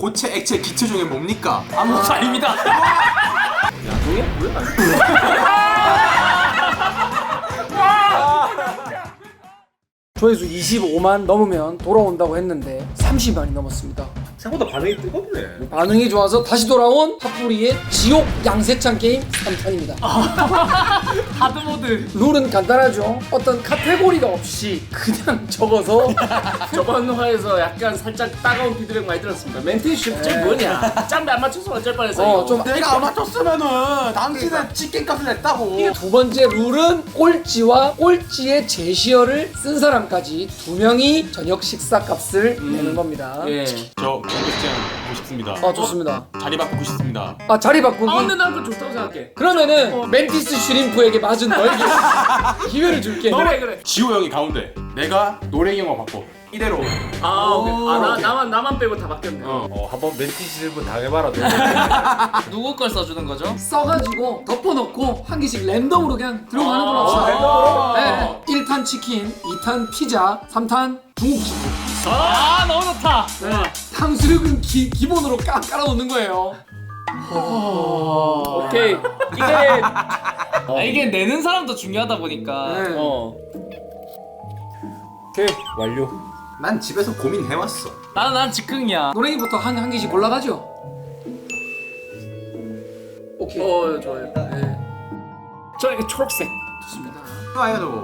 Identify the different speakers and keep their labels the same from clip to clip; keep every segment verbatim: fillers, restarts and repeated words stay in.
Speaker 1: 고체 액체 기체 중에 뭡니까?
Speaker 2: 아무것도 아닙니다.
Speaker 3: 야동이 뭐야?
Speaker 4: 조회수 이십오만 넘으면 돌아온다고 했는데 삼십만이 넘었습니다.
Speaker 3: 생각보다 반응이 뜨겁네.
Speaker 4: 반응이 좋아서 다시 돌아온 핫뿌리의 지옥 양세찬 게임 삼 탄입니다.
Speaker 2: 하드모드.
Speaker 4: 룰은 간단하죠. 어떤 카테고리가 없이 그냥 적어서
Speaker 3: 저번 화에서 약간 살짝 따가운 피드백 많이 들었습니다. 멘트 쉽지 뭐냐? 짬배 안 맞춰서 어쩔 뻔했어.
Speaker 4: 어,
Speaker 3: 이거.
Speaker 4: 좀
Speaker 1: 내가 안 맞췄으면은 당신은 치킨값을 냈다고.
Speaker 4: 두 번째 룰은 꼴찌와 꼴찌의 제시어를 쓴 사람까지 두 명이 저녁 식사 값을 내는 겁니다.
Speaker 3: 예.
Speaker 1: 저 경고장 보고 싶습니다.
Speaker 4: 아 좋습니다.
Speaker 1: 자리 바꾸고 싶습니다.
Speaker 4: 아 자리 바꾸기.
Speaker 3: 아 근데 난 그거 좋다고 생각해.
Speaker 4: 그러면은 멘티스 슈림프에게 맞은 너에게 기회를 줄게.
Speaker 3: 그래 그래.
Speaker 1: 지호 형이 가운데, 내가 노랭이 형과 바꿔. 이대로.
Speaker 3: 아 오케이. 아 나,
Speaker 1: 오케이.
Speaker 3: 나만 나만 빼고 다 바뀌었네.
Speaker 1: 어.
Speaker 5: 어 한번 멘티스 일분 당해봐라.
Speaker 2: 누구 걸 써주는 거죠?
Speaker 4: 써가지고 덮어놓고 한 개씩 랜덤으로 그냥 들어가는 걸로 합시다.
Speaker 5: 랜덤으로?
Speaker 4: 네. 일 탄 치킨, 이 탄 피자, 삼 탄 중국집.
Speaker 2: 아 너무 좋다.
Speaker 4: 네. 탕수육은 기, 기본으로 까, 깔아놓는 거예요.
Speaker 3: 오케이. 이게
Speaker 2: 아, 이게 내는 사람도 중요하다 보니까.
Speaker 4: 네.
Speaker 3: 어.
Speaker 5: 오케이 완료.
Speaker 1: 난 집에서 고민해왔어.
Speaker 2: 나는 난 즉흥이야.
Speaker 4: 노랭이부터 한, 한 개씩 골라가죠. 오케이.
Speaker 3: 어 좋아요. 네. 저 이게 초록색.
Speaker 4: 좋습니다.
Speaker 1: 아야 너.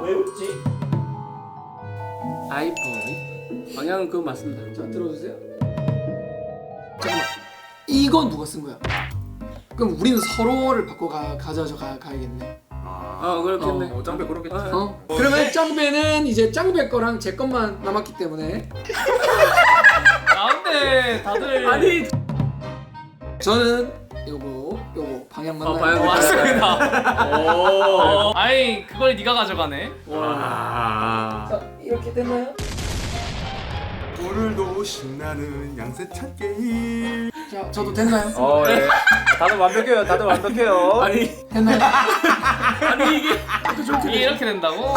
Speaker 3: 아이폰. 방향은 그거 맞습니다.
Speaker 4: 자 들어주세요. 잠깐만. 이건 누가 쓴 거야? 그럼 우리는 서로를 바꿔 가, 가져서 가, 가야겠네.
Speaker 3: 어 그렇겠네.
Speaker 1: 어, 짱배 그렇겠지.
Speaker 4: 어? 그러면 짱배는 이제 짱배 거랑 제 것만 남았기 때문에
Speaker 2: 나은데 다들
Speaker 3: 아니.
Speaker 4: 저는 요거 요거 방향 맞나요?
Speaker 3: 어, 방향
Speaker 2: 맞습니다.
Speaker 3: 오.
Speaker 2: 어, 아이 그걸 네가 가져가네.
Speaker 3: 와.
Speaker 4: 자 이렇게 됐나요?
Speaker 1: 오늘도 신나는 양세찬 게임.
Speaker 4: 자 저도 됐나요?
Speaker 5: 어 예. 다들 완벽해요. 다들 완벽해요.
Speaker 3: 아니
Speaker 4: 됐나요?
Speaker 3: 아니 이게
Speaker 2: 이게 이렇게 된다고?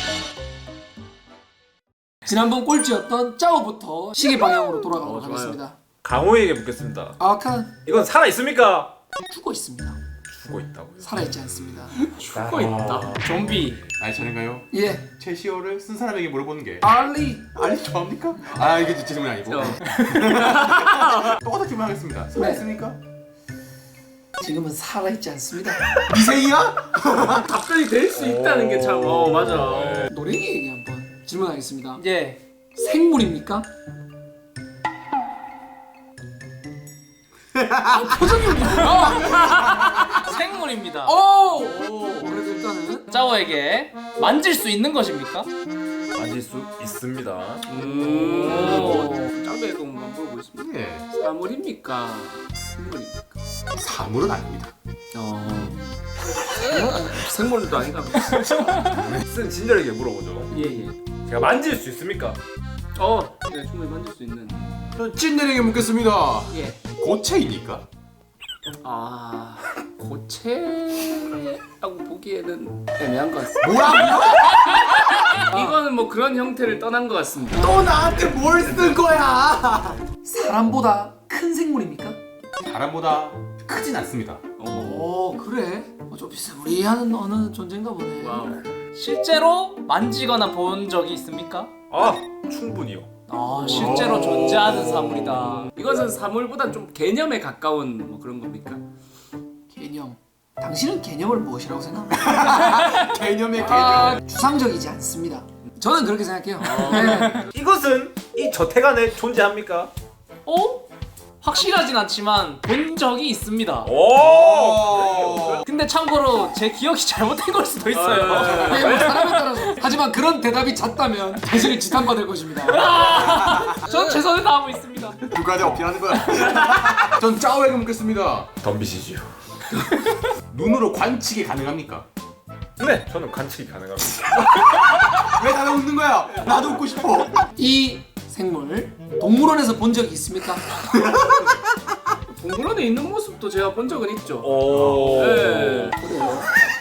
Speaker 4: 지난번 꼴찌였던 짜오부터 시계 방향으로 돌아가도록
Speaker 3: 어, 좋아요.
Speaker 4: 하겠습니다.
Speaker 5: 강호에게 묻겠습니다.
Speaker 4: 아칸
Speaker 5: 이건 살아 있습니까?
Speaker 4: 죽어 있습니다.
Speaker 5: 죽어 있다고요.
Speaker 4: 살아있지 않습니다.
Speaker 3: 죽고 있다. 좀비.
Speaker 1: 아니 차례인가요?
Speaker 4: 예,
Speaker 1: 제시어를 쓴 사람에게 물어보는 게.
Speaker 4: 알리.
Speaker 1: 아니 좋아합니까? 아 이게 제 질문이 아니고.
Speaker 3: 어.
Speaker 1: 똑같은 질문하겠습니다. 살아있습니까?
Speaker 4: 지금은 살아있지 않습니다.
Speaker 1: 미생이야?
Speaker 3: 갑자기 될 수 있다는 게 참. 어 맞아.
Speaker 4: 노랭이에게 한번 질문하겠습니다.
Speaker 2: 예.
Speaker 4: 생물입니까? 아, 표정이 뭐야?
Speaker 2: 생물입니다.
Speaker 4: 오! 오! 그래도 일단은
Speaker 2: 짜오에게 만질 수 있는 것입니까?
Speaker 5: 만질 수 있습니다.
Speaker 3: 음. 짱배가 뭔가 물어보고 있습니다.
Speaker 1: 예.
Speaker 3: 사물입니까? 생물입니까?
Speaker 1: 사물은 아닙니다.
Speaker 3: 어. 생물도 아닌가?
Speaker 5: 쓴 친절하게 물어보죠.
Speaker 3: 예예.
Speaker 5: 제가 만질 수 있습니까?
Speaker 3: 어. 네 충분히 만질 수 있는.
Speaker 1: 전 찐내에게 묻겠습니다.
Speaker 3: 예.
Speaker 1: 고체입니까?
Speaker 3: 아 고체라고 보기에는 애매한 것 같습니다.
Speaker 1: 뭐라고요?
Speaker 3: 이거는 뭐 그런 형태를 떠난 것 같습니다.
Speaker 1: 또 나한테 뭘 쓴 거야?
Speaker 4: 사람보다 큰 생물입니까?
Speaker 1: 사람보다 크진 않습니다.
Speaker 4: 오, 그래? 어, 좀 비스무리한 어느 존재인가 보네.
Speaker 3: 와우.
Speaker 2: 실제로 만지거나 본 적이 있습니까?
Speaker 5: 아 충분히요.
Speaker 2: 아 실제로 존재하는 사물이다.
Speaker 3: 이것은 사물보다 좀 개념에 가까운 뭐 그런 겁니까?
Speaker 4: 개념. 당신은 개념을 무엇이라고 생각합니까?
Speaker 1: 개념의 개념.
Speaker 4: 아, 추상적이지 않습니다. 저는 그렇게 생각해요. 네.
Speaker 5: 이것은 이 저택 안에 존재합니까?
Speaker 2: 어? 확실하진 않지만 본 적이 있습니다.
Speaker 5: 오.
Speaker 2: 근데 참고로 제 기억이 잘못된 걸 수도 있어요.
Speaker 4: 네, 뭐 사람에 따라서. 하지만 그런 대답이 잦다면 당신을 지탄받을 것입니다.
Speaker 2: 전 최선을 다하고 있습니다.
Speaker 1: 누구한테 어필하는 거야? 전 짜오에게 묻겠습니다.
Speaker 5: 덤비시지요.
Speaker 1: 눈으로 관측이 가능합니까?
Speaker 5: 네, 저는 관측이 가능합니다.
Speaker 1: 왜 다들 웃는 거야? 나도 웃고 싶어.
Speaker 4: 이 생물 동물원에서 본 적이 있습니까?
Speaker 3: 동물원에 있는 모습도 제가 본 적은 있죠.
Speaker 5: 오.
Speaker 3: 네.
Speaker 4: 그래요.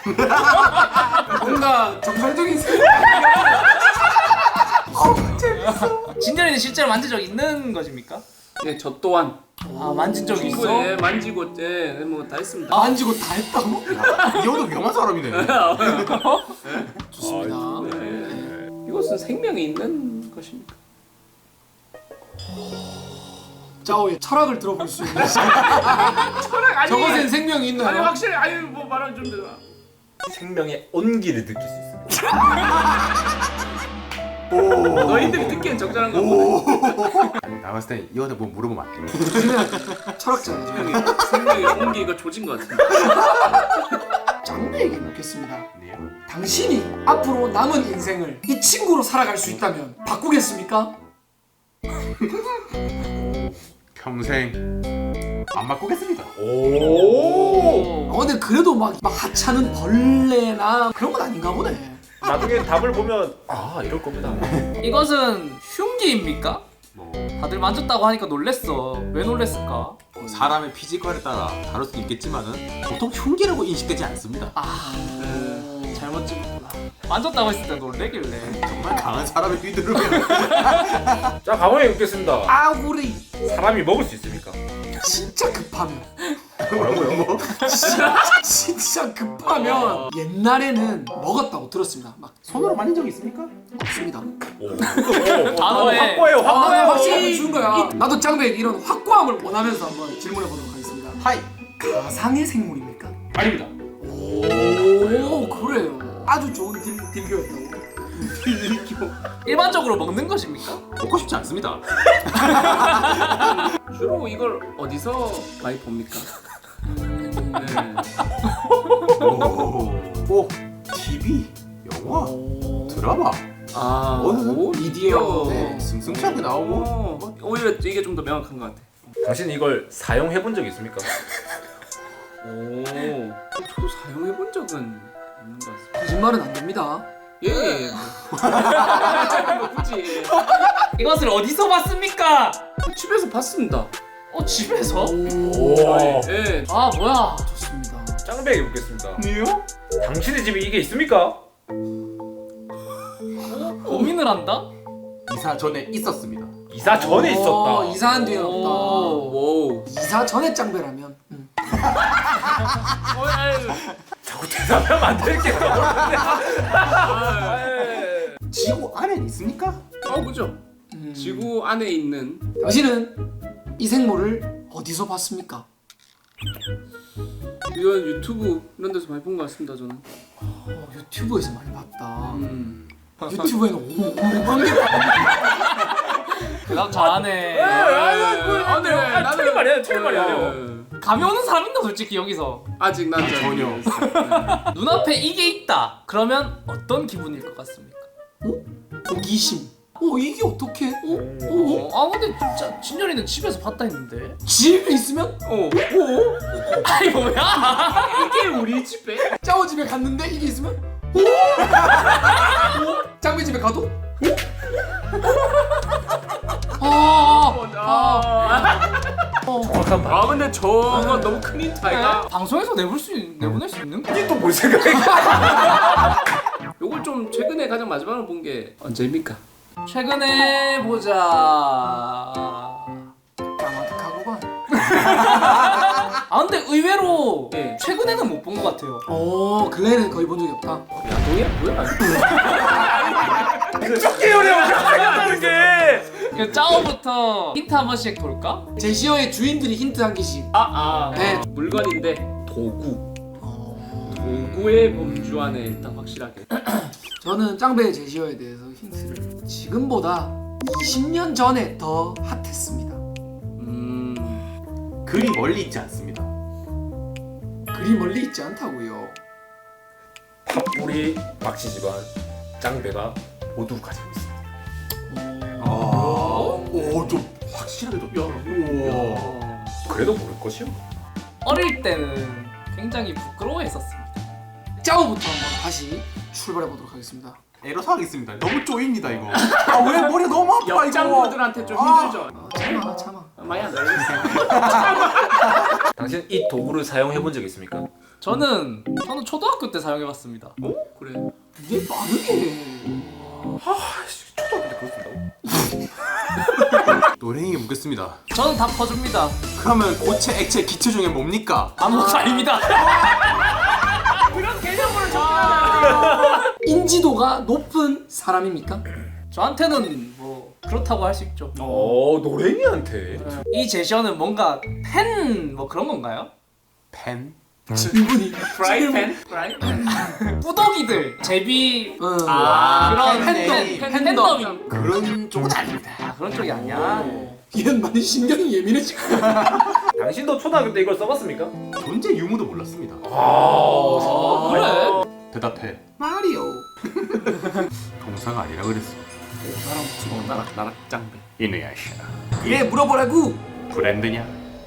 Speaker 4: 뭔가 정상적인 생물.
Speaker 2: 진전이는 실제로 만진 적 있는 것입니까?
Speaker 3: 예, 저 또한
Speaker 2: 아 만진 적 있어?
Speaker 3: 충분히 만지고 예, 뭐다 했습니다.
Speaker 4: 만지고 다 했다고?
Speaker 1: 이 형도 위험한 사람이네.
Speaker 4: 좋습니다.
Speaker 3: 네. 이것은 생명이 있는 것입니까?
Speaker 4: 짜오의 철학을 들어볼 수 있는
Speaker 3: 철학 아니.
Speaker 4: 저것엔 생명이 있나요?
Speaker 3: 아니 확실히 아니 뭐 말하면 좀 되나.
Speaker 5: 생명의 온기를 느낄 수 있습니다.
Speaker 3: 너희들이 듣기엔 적절한 거 보네.
Speaker 1: 나 봤을 때 이거한테 뭐 물어보면 안 돼.
Speaker 4: 철학자죠.
Speaker 3: 생명의 생명의 온기 이거 조진 것 같은데.
Speaker 4: 짱배에게 묻겠습니다.
Speaker 1: 네요.
Speaker 4: 당신이 앞으로 남은 인생을 이 친구로 살아갈 수 있다면 바꾸겠습니까?
Speaker 1: 평생 안 바꾸겠습니다.
Speaker 5: 오.
Speaker 4: 어, 근데 그래도 막, 막 하찮은 벌레나 그런 건 아닌가 보네.
Speaker 5: 나중에 답을 보면 아 이럴 겁니다.
Speaker 2: 이것은 흉기입니까?
Speaker 1: 뭐
Speaker 2: 다들 만졌다고 하니까 놀랬어. 왜 놀랬을까?
Speaker 1: 사람의 피지컬에 따라 다를 수 있겠지만은 보통 흉기라고 인식되지 않습니다.
Speaker 2: 아 잘못 찍었구나. 만졌다고 했을 때 놀래길래.
Speaker 1: 정말 강한 사람의 휘두르면
Speaker 5: 자 가만히 묻겠습니다.
Speaker 4: 아우리
Speaker 5: 사람이 먹을 수 있습니까?
Speaker 4: 진짜 급하면
Speaker 5: 뭐라고요? 뭐?
Speaker 4: 진짜, 진짜 급하면 옛날에는 먹었다고 들었습니다. 막
Speaker 1: 손으로 만진 적 있습니까?
Speaker 4: 없습니다.
Speaker 2: 단어에
Speaker 5: 확고해요.
Speaker 4: 아,
Speaker 5: 확고해요.
Speaker 4: 확실히 준 거야. 나도 짱배에게 이런 확고함을 원하면서 한번 질문해 보도록 하겠습니다.
Speaker 1: 하이.
Speaker 4: 가상의 생물입니까?
Speaker 5: 아닙니다.
Speaker 4: 오 그래요. 아주 좋은 딜, 딜교였다고.
Speaker 2: 일반적으로 먹는 것입니까?
Speaker 1: 먹고 싶지 않습니다.
Speaker 3: 주로 이걸 어디서 많이 봅니까? 네.
Speaker 1: 오. 오. 티비, 영화, 드라마,
Speaker 3: 아,
Speaker 1: 어?
Speaker 3: 오,
Speaker 4: 미디어.
Speaker 1: 네, 승승차게 나오고.
Speaker 3: 오, 오히려 이게 좀 더 명확한 것 같아.
Speaker 5: 당신 이걸 사용해 본 적 있습니까?
Speaker 3: 오, 저도 사용해 본 적은 없는 것 같습니다.
Speaker 4: 거짓말은 안 됩니다.
Speaker 3: 예, 예. 뭐 굳이
Speaker 2: 이것을 어디서 봤습니까?
Speaker 3: 집에서 봤습니다.
Speaker 2: 어 집에서?
Speaker 5: 오.
Speaker 3: 예.
Speaker 2: 아 뭐야?
Speaker 4: 좋습니다.
Speaker 5: 짱배에게 묻겠습니다.
Speaker 1: 니요?
Speaker 5: 당신의 집에 이게 있습니까?
Speaker 2: 고민을 한다?
Speaker 1: 이사 전에 있었습니다.
Speaker 5: 이사 전에
Speaker 4: 어,
Speaker 5: 있었다.
Speaker 4: 이사한 뒤에 없다.
Speaker 3: 오.
Speaker 4: 이사 전에 짱배라면. 음.
Speaker 3: 어, 아유.
Speaker 5: 자꾸 대답하면 안 될게 떠오르네.
Speaker 1: 지구 안엔 있습니까?
Speaker 3: 어, 그죠.
Speaker 4: 음.
Speaker 3: 지구 안에 있는
Speaker 4: 당신은 이 생물을 어디서 봤습니까?
Speaker 3: 이건 유튜브 이런 데서 많이 본 것 같습니다. 저는.
Speaker 4: 어, 유튜브에서 많이 봤다.
Speaker 3: 음.
Speaker 4: 유튜브에는 오만 개.
Speaker 2: 대답 잘하네.
Speaker 3: 아, 네.
Speaker 5: 아, 틀린 말이야, 틀린 말이야.
Speaker 2: 감이 오는 사람 있나 솔직히 여기서.
Speaker 3: 아직 난 잘
Speaker 1: 전혀.
Speaker 3: 모르겠어요.
Speaker 2: 눈앞에 이게 있다. 그러면 어떤 기분일 것 같습니까?
Speaker 4: 호기심. 어 이게 어떻게? 어? 어?
Speaker 2: 어, 아 근데 진짜 진열이는 집에서 봤다 했는데.
Speaker 4: 집에 있으면?
Speaker 3: 어.
Speaker 2: 아니 뭐야?
Speaker 3: 이게 우리 집에?
Speaker 4: 짜오 집에 갔는데 이게 있으면? 오? 짱배 집에 가도? 아,
Speaker 3: 아.
Speaker 5: 정확한 말.
Speaker 3: 아 근데 저건 너무 큰 힌트 아이가?
Speaker 2: 방송에서 내볼 수 있, 내보낼 수 있는 거?
Speaker 5: 이게 또 뭘 생각해?
Speaker 3: 요걸 좀 최근에 가장 마지막으로 본 게 언제입니까?
Speaker 2: 최근에 보자.
Speaker 4: 까마득하구만.
Speaker 2: 아 근데 의외로
Speaker 3: 예.
Speaker 2: 최근에는 못 본 것 같아요.
Speaker 4: 어 근래에는 거의 본 적이 없다.
Speaker 3: 야동이야 뭐야?
Speaker 5: 그쪽 계열이야 생각하는 게.
Speaker 2: 그 짜오부터 힌트 한 번씩 볼까?
Speaker 4: 제시어의 주인들이 힌트 한 개씩.
Speaker 3: 아, 아.
Speaker 4: 네.
Speaker 3: 물건인데 도구.
Speaker 4: 어...
Speaker 3: 도구의 범주 안에 일단 확실하게.
Speaker 4: 저는 짱배의 제시어에 대해서 힌트를 지금보다 이십 년 전에 더 핫했습니다.
Speaker 3: 음.
Speaker 1: 그리 멀리 있지 않습니다.
Speaker 4: 그리 멀리 있지 않다고요.
Speaker 5: 팝뿌리 박씨 집안 짱배가 모두 가지고 있습니다.
Speaker 1: 아, 오, 좀 확실하게 좀. 우와.
Speaker 3: 어.
Speaker 5: 그래도 모를 것이요.
Speaker 2: 어릴 때는 굉장히 부끄러워했었습니다.
Speaker 4: 짜오부터 한번 다시 출발해 보도록 하겠습니다.
Speaker 1: 애로사하겠습니다. 너무 쪼입니다 이거. 아 왜 머리 너무 아파 이거.
Speaker 3: 옆장분들한테 좀
Speaker 1: 아.
Speaker 3: 힘들죠.
Speaker 4: 아, 참아 참아.
Speaker 3: 아, 많이 안 나요.
Speaker 5: 당신 이 도구를 사용해 본 적 있습니까?
Speaker 2: 저는 저는 초등학교 때 사용해봤습니다.
Speaker 3: 어? 그래.
Speaker 4: 이게 빠르게.
Speaker 5: 초등학교 때 그렇습니다.
Speaker 1: 노랭이에게 묻겠습니다.
Speaker 2: 저는 다 퍼줍니다.
Speaker 1: 그러면 고체, 액체, 기체 중에 뭡니까?
Speaker 2: 아무것도 아닙니다.
Speaker 3: 그런 개념으로 접근하면
Speaker 4: 인지도가 높은 사람입니까?
Speaker 2: 저한테는 뭐 그렇다고 할 수 있죠.
Speaker 5: 어 노랭이한테.
Speaker 2: 이 제시어는 뭔가 팬 뭐 그런 건가요?
Speaker 1: 펜?
Speaker 4: 질문이
Speaker 3: 프라이팬? 프라이팬?
Speaker 2: 뿌독이들 제비
Speaker 4: 어.
Speaker 2: 아, 그런
Speaker 1: 팬덤.
Speaker 2: 팬, 팬덤이
Speaker 1: 그런 쪽은 아닙니다.
Speaker 2: 아, 그런 쪽이 아니야.
Speaker 4: 얘는 많이 신경이 예민해지고
Speaker 5: 당신도 초등학교 때 이걸 써봤습니까?
Speaker 1: 존재 유무도 몰랐습니다.
Speaker 2: 아, 그래?
Speaker 1: 대답해.
Speaker 4: 마리오.
Speaker 1: 동사가 아니라 그랬어.
Speaker 3: 나락 나락 짱배.
Speaker 1: 이누야샤.
Speaker 4: 그래 물어보라고.
Speaker 1: 브랜드냐?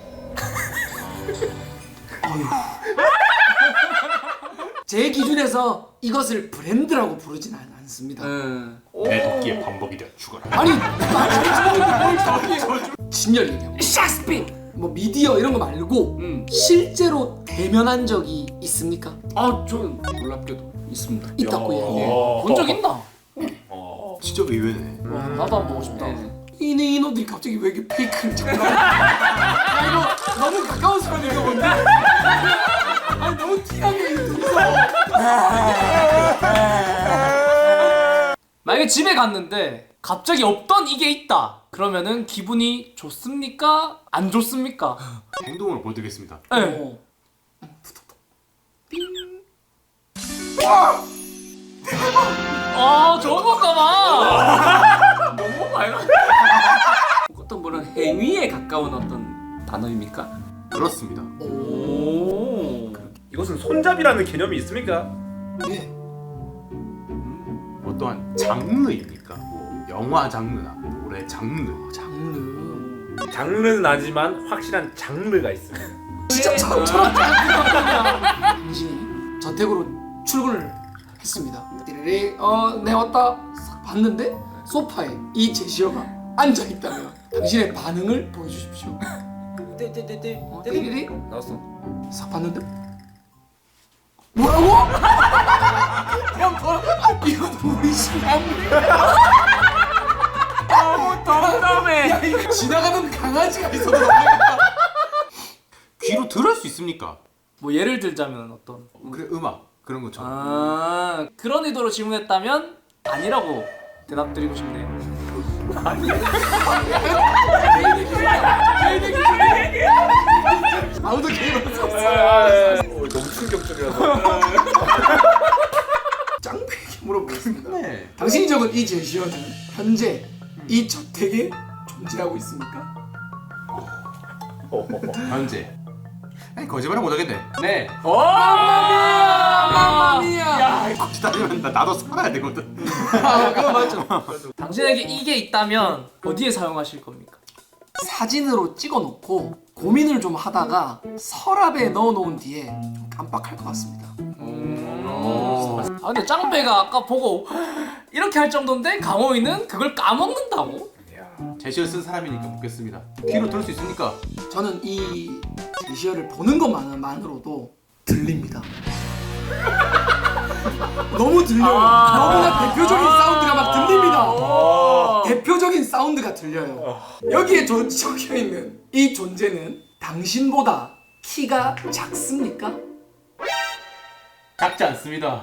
Speaker 4: 제 기준에서 이것을 브랜드라고 부르진 않- 않습니다.
Speaker 3: 응.
Speaker 1: 내 도끼에 반복이 되어 죽어라.
Speaker 4: 아니 뭘 저기 진열 얘기하고 샥스핀 뭐 미디어 이런 거 말고
Speaker 3: 음.
Speaker 4: 실제로 대면한 적이 있습니까?
Speaker 3: 아, 저는 놀랍게도 있습니다.
Speaker 4: 있다고 얘기해.
Speaker 2: 본 적 있나?
Speaker 5: 어.
Speaker 1: 진짜 의외네.
Speaker 2: 와, 나도 한번 보고 싶다.
Speaker 4: 이네 이놈들이 갑자기 왜 이렇게 페이크를 자꾸 나와? 야 이거 너무 가까운 사람이 이거 뭔데? 아니 너무 티나게 이거 둘이서
Speaker 2: 만약에 집에 갔는데 갑자기 없던 이게 있다. 그러면은 기분이 좋습니까? 안 좋습니까?
Speaker 1: 행동을 보여드리겠습니다.
Speaker 2: 네.
Speaker 4: 어.
Speaker 2: 아, 좋은 건가 봐.
Speaker 3: 너무 많이 어떤 그런 행위에 가까운 어떤 단어입니까?
Speaker 1: 그렇습니다.
Speaker 3: 오.
Speaker 5: 이것은 손잡이라는 개념이 있습니까?
Speaker 4: 예.
Speaker 1: 어떠한 장르입니까? 뭐 영화 장르나 노래 장르.
Speaker 4: 장르.
Speaker 5: 장르는 아니지만 확실한 장르가 있습니다.
Speaker 4: 진짜 처음처럼 당신이 저택으로 출근을 했습니다. 띠리리 어내 왔다 싹 봤는데 소파에 이 제시어가 앉아 있다면 당신의 반응을 보여주십시오.
Speaker 3: 떼떼떼떼.
Speaker 4: 어, 띠리리
Speaker 3: 나왔어.
Speaker 4: 싹 봤는데 뭐라고? 야 뭐? 이건 우리 신랑.
Speaker 3: 너무 덤덤해.
Speaker 4: 야 이거 지나가는 강아지가 있어도 놀라겠다.
Speaker 1: 귀로 들을 수 있습니까?
Speaker 2: 뭐 예를 들자면 어떤
Speaker 1: 그래 음악 그런 것처럼.
Speaker 2: 아, 그런 의도로 질문했다면 아니라고 대답드리고 싶네요.
Speaker 4: 아무도 게임 없어.
Speaker 5: 어, 너무 충격적이라서.
Speaker 4: 짱배에게 물어보겠습니다.
Speaker 1: 네.
Speaker 4: 당신이 적은 이 제시어는 현재 이 저택에 존재하고 있습니까?
Speaker 1: 현재. 아니 거짓말을 못하겠네. 네.
Speaker 4: 마마미야.
Speaker 1: 거짓말하면 나 나도 살아야 되거든.
Speaker 4: 아 그거 맞죠.
Speaker 2: 당신에게 이게 있다면 어디에 사용하실 겁니까?
Speaker 4: 사진으로 찍어놓고 고민을 좀 하다가 서랍에 넣어놓은 뒤에 좀 깜빡할 것 같습니다.
Speaker 2: 아, 근데 짱배가 아까 보고 이렇게 할 정도인데 강호이는 그걸 까먹는다고?
Speaker 1: 제시어 쓴 사람이니까 묻겠습니다. 귀로 들을 수 있습니까?
Speaker 4: 저는 이 제시어를 보는 것만으로도 들립니다. 너무 들려요.
Speaker 3: 아.
Speaker 4: 너무나 대표적인 사운드가 막 들립니다. 대표적인 사운드가 들려요. 여기에 저, 적혀 있는 이 존재는 당신보다 키가 작습니까?
Speaker 1: 작지 않습니다.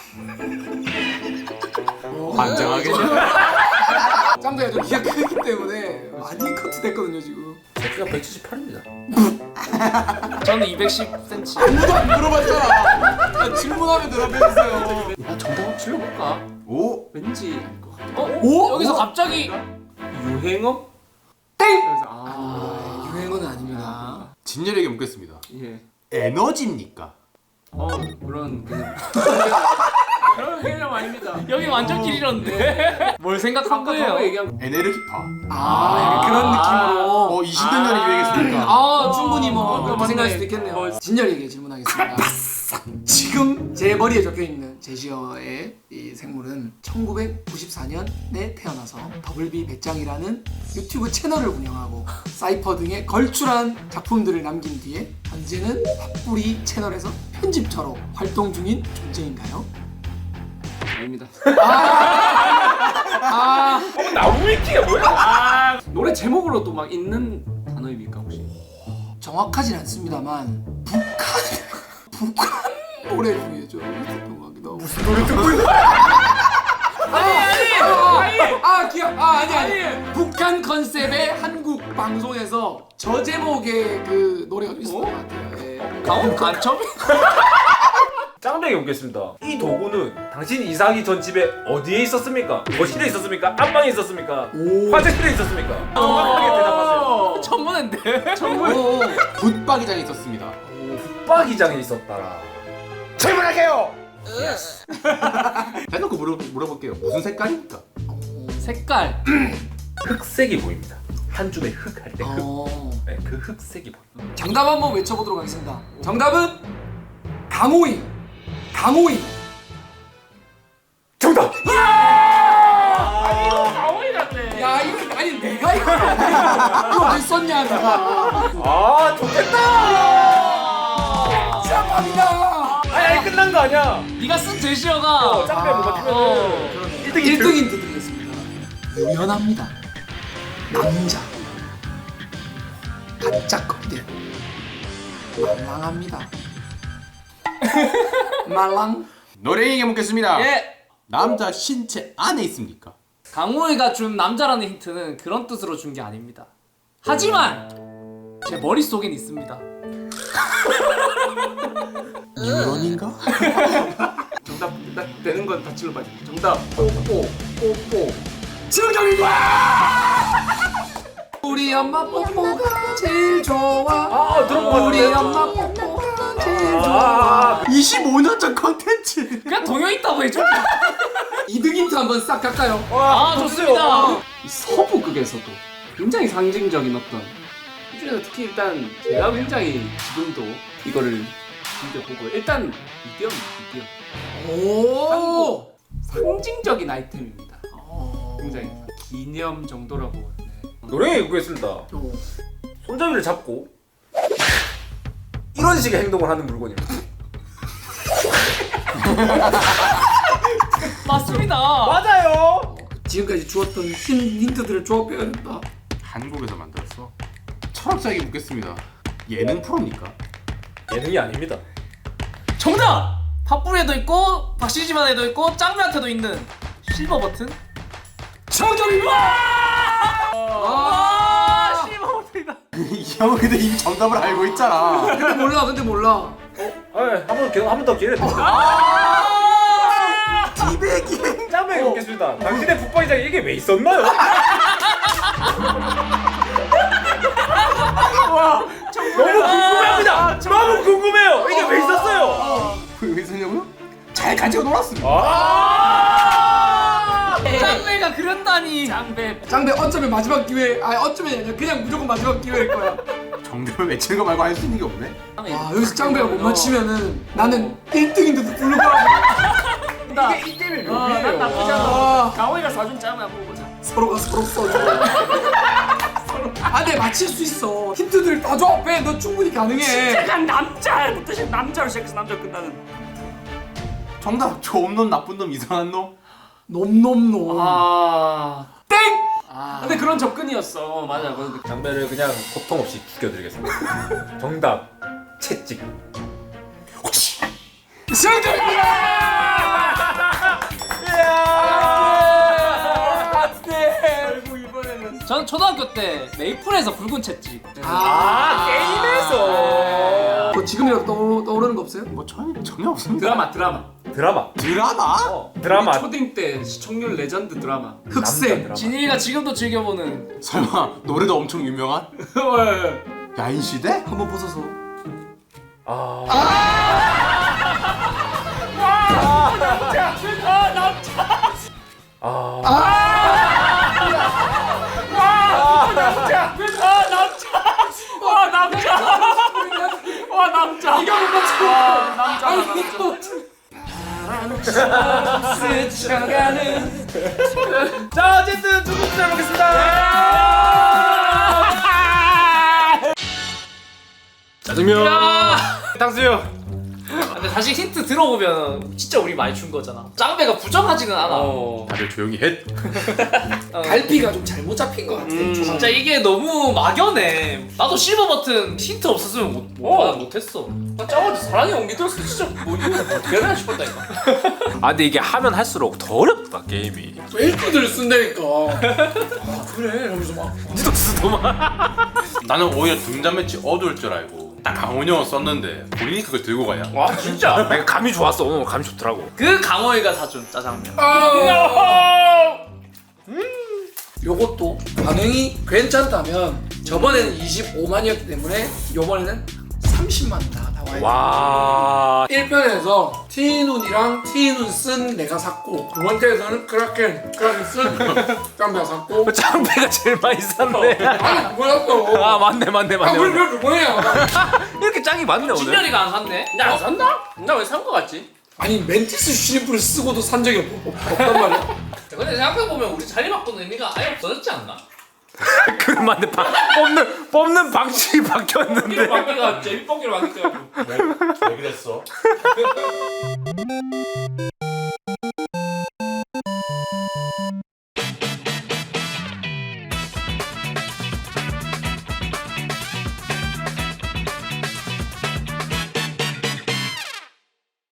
Speaker 1: 반장하겠네.
Speaker 4: 짱배가 좀 키가 크기 때문에 많이 커트됐거든요 지금.
Speaker 3: 제가 백칠십팔입니다.
Speaker 2: 저는 이백십 센티미터.
Speaker 4: 아무도 안 물어봤잖아. 야, 질문하면 대답해주세요.
Speaker 3: 아, 정답 한번 질러볼까?
Speaker 1: 오.
Speaker 3: 왠지 알 것 같아.
Speaker 2: 어?
Speaker 4: 오?
Speaker 2: 여기서
Speaker 4: 오?
Speaker 2: 갑자기
Speaker 3: 유행어?
Speaker 4: 땡!
Speaker 3: 그래서
Speaker 4: 아,
Speaker 3: 아,
Speaker 4: 유행어는 아닙니다.
Speaker 1: 진열에게 묻겠습니다.
Speaker 3: 예.
Speaker 1: 에너지입니까?
Speaker 3: 어, 그런 개념. 그런 개념 아닙니다.
Speaker 2: 여기 완전 길이었는데 뭘 생각한
Speaker 3: 아까
Speaker 2: 거예요?
Speaker 3: 저거 얘기한
Speaker 1: 에네르기파.
Speaker 4: 아, 약간 그런 느낌으로.
Speaker 1: 어 이십 년 전에 유행했으니까.
Speaker 4: 아, 충분히 뭐
Speaker 3: 어,
Speaker 4: 그렇게
Speaker 3: 맞네.
Speaker 4: 생각할 수도 있겠네요.
Speaker 3: 어.
Speaker 4: 진열이에게 질문하겠습니다. 지금 제 머리에 적혀 있는 제시어의 이 생물은 천구백구십사 년에 태어나서 더블비 배짱이라는 유튜브 채널을 운영하고 사이퍼 등의 걸출한 작품들을 남긴 뒤에 현재는 팝뿌리 채널에서 편집자로 활동 중인 존재인가요?
Speaker 3: 아닙니다.
Speaker 4: 아,
Speaker 5: 나무위키가 뭐야?
Speaker 3: 아, 노래 제목으로 또 막 있는 단어입니까 혹시?
Speaker 4: 정확하진 않습니다만 북한 북한 노래 중에 좀 있었던 것 같기도 하고. 무슨 노래 듣고 있는 아니 아니 아니 아 기억 아 아니 아니 북한 컨셉의 한국 방송에서 저 제목의 그 노래가 좀 있었던 것 같아요. 예.
Speaker 2: 강원 간첩?
Speaker 5: 짱배에게 묻겠습니다. 이 도구는 당신 이사하기 전 집에 어디에 있었습니까? 거실에 있었습니까? 안방에 있었습니까? 화장실에 있었습니까? 정확하게 대답하세요.
Speaker 2: 전문인데?
Speaker 1: 정말 붙박이장에 있었습니다.
Speaker 5: 붙박이장에 있었다라. 질문할게요.
Speaker 1: 대놓고 물어, 물어볼게요. 무슨 색깔입니까?
Speaker 2: 색깔.
Speaker 5: 흑색이 보입니다. 한 줌의 흑 할 때 흑.
Speaker 4: 어.
Speaker 5: 네, 그 흑색이 보입니다.
Speaker 4: 정답 한번 외쳐보도록 하겠습니다. 정답은 강호이. 강호이.
Speaker 5: 정답.
Speaker 3: 강호이 같네.
Speaker 4: 야 이거 아니 내가 이거 이거 왜 썼냐 내가.
Speaker 5: 아 좋겠다.
Speaker 4: 진짜 밥이다.
Speaker 5: 아니 아니 끝난 거 아니야.
Speaker 2: 네가 쓴 제시어가
Speaker 5: 어, 짱배 뭔가 틀면은 일 등
Speaker 4: 일 등 힌트 드리겠습니다. 유연합니다. 남자. 반짝거리대. 말랑합니다. 말랑.
Speaker 1: 노래에게 묻겠습니다.
Speaker 2: 예.
Speaker 1: 남자 신체 안에 있습니까?
Speaker 2: 강호이가 준 남자라는 힌트는 그런 뜻으로 준 게 아닙니다. 하지만 제 머릿속엔 있습니다.
Speaker 1: 유런인가?
Speaker 3: 정답 나, 되는 건 다 질러봐야 돼. 정답 뽀뽀 뽀뽀.
Speaker 4: 지명정입니다. 우리 엄마 뽀뽀가 제일 좋아.
Speaker 5: 아 들어본 거
Speaker 4: 우리
Speaker 5: 같은데.
Speaker 4: 엄마 뽀뽀가 제일 좋아.
Speaker 5: 아,
Speaker 1: 이십오 년 전 컨텐츠.
Speaker 2: 그냥 동요 있다고 해줘.
Speaker 4: 이 등 힌트 한번 싹 갈까요?
Speaker 2: 아 좋습니다.
Speaker 3: 이 서부극에서도 굉장히 상징적인 어떤 이 중에서 특히 일단 제가 굉장히 지금도 이거를 즐겨 보고 일단 이디엄 이디엄
Speaker 4: 오.
Speaker 3: 상징적인 아이템입니다. 굉장히 기념 정도라고. 네.
Speaker 5: 노래에 보겠습니다. 손잡이를 잡고 이런 식의 행동을 하는 물건입니다.
Speaker 2: 맞습니다.
Speaker 5: 맞아요.
Speaker 4: 지금까지 주었던 힌, 힌트들을 조합해야겠다.
Speaker 1: 한국에서 만들었어. 철학자에게 묻겠습니다. 예능 프로입니까?
Speaker 5: 예능이 아닙니다.
Speaker 2: 정답! 팝뿌리에도 있고 박시지만에도 있고 짱배한테도 있는 실버 버튼?
Speaker 4: 정답입니다.
Speaker 2: 아 실버 버튼이다.
Speaker 1: 이 형은 근데 이미 정답을 알고 있잖아.
Speaker 4: 근데 몰라, 근데 몰라.
Speaker 5: 한번한번더 기회를 드립니다.
Speaker 1: 아! 티백이.
Speaker 5: 짱배에게 묻겠습니다. 당신의 붙박이장에 이게 왜 있었나요? 너무 궁금합니다. 너무 궁금해요. 이게 왜 있었어요?
Speaker 1: 왜 있었냐고요? 잘 가지고 놀았습니다.
Speaker 5: 아!
Speaker 2: 짱배가 그렸다니.
Speaker 3: 짱배
Speaker 4: 장배 어쩌면 마지막 기회. 아니 어쩌면 아니라 그냥 무조건 마지막 기회일 거야.
Speaker 1: 정답을 외치는 거 말고 할 수 있는 게 없네.
Speaker 4: 와 여기서 짱배가 못 맞히면은 나는 일 등인데도 불구하고
Speaker 5: 이게 이 게임의 묘미예요.
Speaker 3: 나쁘지 않아.
Speaker 4: 아,
Speaker 3: 강호이가 사준 짱을 한번 보자.
Speaker 4: 서로가 서로 써줘. 아, 네 맞힐 수 있어. 힌트들 다 조합해. 너 충분히 가능해.
Speaker 3: 약간 남자 뜻이 남자로 시작해서 남자로 끝나는.
Speaker 1: 정답. 좋은 놈, 나쁜 놈, 이상한 놈.
Speaker 4: 놈놈놈.
Speaker 3: 아
Speaker 4: 땡.
Speaker 3: 아. 근데 그런 접근이었어. 맞아. 그
Speaker 5: 장배를 그냥 고통 없이 죽여드리겠습니다. 정답 채찍.
Speaker 4: 정답입니다.
Speaker 3: 결국 이번에는
Speaker 2: 저는 초등학교 때 메이플에서 붉은 채찍.
Speaker 5: 아 게임에서
Speaker 4: 뭐 지금이라도 떠, 떠오르는 거 없어요?
Speaker 1: 뭐 전혀 전혀 없습니다.
Speaker 3: 드라마 드라마.
Speaker 5: 드라마.
Speaker 1: 드라마?
Speaker 5: 어, 드라마.
Speaker 3: 초딩 때 시청률 레전드 드라마.
Speaker 5: 남자
Speaker 4: 흑색.
Speaker 5: 드라마.
Speaker 2: 진이가 지금도 즐겨보는
Speaker 1: 설마 노래도 엄청 유명한 야인시대?
Speaker 4: 한번 벗어서.
Speaker 5: 아. 아.
Speaker 3: 와 남자. 와 남자.
Speaker 4: 이거 못 맞춰.
Speaker 3: 와 남자.
Speaker 4: 아니
Speaker 3: 남자.
Speaker 4: 이거
Speaker 2: 스쳐가는.
Speaker 5: 자 어쨌든 두 분째 먹겠습니다. 짜장면. 탕수육.
Speaker 2: 사실 힌트 들어보면 진짜 우리 많이 준 거잖아. 짱배가 부정하지는 않아.
Speaker 3: 어.
Speaker 1: 다들 조용히 해.
Speaker 2: 어.
Speaker 4: 갈피가 좀 잘못 잡힌 것 같아.
Speaker 3: 음.
Speaker 2: 진짜 이게 너무 막연해. 나도 실버 버튼 힌트 없었으면 못, 못,
Speaker 3: 어.
Speaker 2: 못했어. 나 짱어지 사랑의 온기 들었을 때 진짜 뭐 이거 어떻게 해야 싶었다니까.
Speaker 5: 아 근데 이게 하면 할수록 더 어렵다 게임이.
Speaker 4: 웨이크들을 쓴다니까. 아 그래 이러면서 막
Speaker 5: 니도 쓰더만.
Speaker 1: 나는 오히려 등잔 매치 어두울 줄 알고 딱 강원이 형을 썼는데 본인이 그걸 들고 가냐?
Speaker 5: 와 진짜. 내가 감이 좋았어. 오늘 감이 좋더라고.
Speaker 2: 그 강호이가 사준 짜장면.
Speaker 4: 아. 요것도 반응이 괜찮다면 저번에는 이십오만이었기 때문에 요번에는 삼십만 다 나와요.
Speaker 5: 와.
Speaker 4: 일 편에서 티눈이랑 티눈 쓴 내가 샀고 두 번째에서는 크라켄 크라켄 쓴 짱배가 샀고
Speaker 5: 짱배가 제일 많이 샀네.
Speaker 4: 아니 뭐였어?
Speaker 5: 아 맞네 맞네
Speaker 4: 아
Speaker 5: 맞네.
Speaker 4: 우리
Speaker 5: 맞네.
Speaker 4: 그래도 뭐야?
Speaker 5: 이렇게 짱이 많네 오늘.
Speaker 2: 진열이가 안 샀네.
Speaker 3: 나 안 샀나? 나 왜 산 거 같지?
Speaker 4: 아니 멘티스 슈리프를 쓰고도 산 적이 없, 없, 없단 말이야.
Speaker 2: 근데 생각해보면 우리 자리 바꾸는 의미가 아예 없어졌지 않나?
Speaker 5: 그럼 맞네. 방- 뽑는 뽑는 방식이 바뀌었는데.
Speaker 3: 바퀴가 제일 뻥기로 만들어가지고
Speaker 1: 왜 그랬어?